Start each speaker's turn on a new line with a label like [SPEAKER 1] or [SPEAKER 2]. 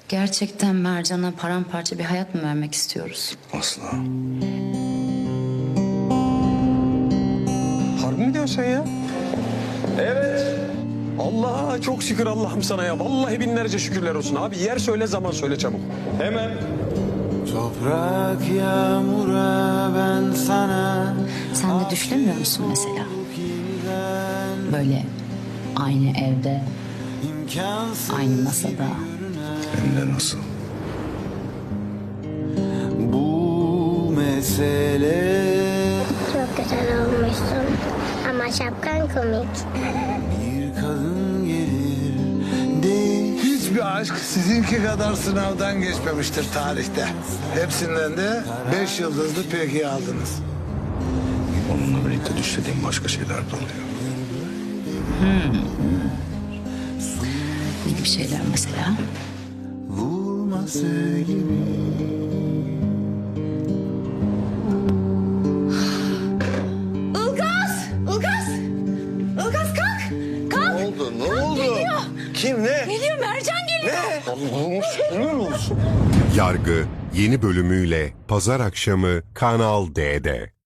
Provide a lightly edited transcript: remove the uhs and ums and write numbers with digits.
[SPEAKER 1] Gerçekten Mercan'a paramparça bir hayat mı vermek istiyoruz?
[SPEAKER 2] Asla.
[SPEAKER 3] Harbi mi diyorsun sen ya? Evet. Allah çok şükür Allah'ım sana ya. Vallahi binlerce şükürler olsun. Abi yer söyle zaman söyle çabuk. Hemen.
[SPEAKER 4] Toprak yağmura ben sana.
[SPEAKER 1] Sen de düşünemiyor musun mesela? Böyle aynı evde, aynı masada.
[SPEAKER 2] Hem de nasıl?
[SPEAKER 4] Bu mesele
[SPEAKER 5] Çok güzel olmuşsun. Ama şapkan komik.
[SPEAKER 4] bir kadın gelir değil.
[SPEAKER 6] Hiçbir aşk sizinki kadar sınavdan geçmemiştir tarihte. Hepsinden de 5 yıldızlı peki aldınız.
[SPEAKER 2] Onunla birlikte düşlediğim başka şeyler de oluyor.
[SPEAKER 1] Ne gibi şeyler mesela?
[SPEAKER 4] Vurması gibi.
[SPEAKER 7] Ilgaz! Ilgaz! Ilgaz kalk! Kalk!
[SPEAKER 3] Ne oldu? Ne oldu?
[SPEAKER 7] Geliyor.
[SPEAKER 3] Kim ne?
[SPEAKER 7] Geliyor, Mercan geliyor.
[SPEAKER 3] Allah'ım şükürler olsun.
[SPEAKER 8] Yargı yeni bölümüyle pazar akşamı Kanal D'de.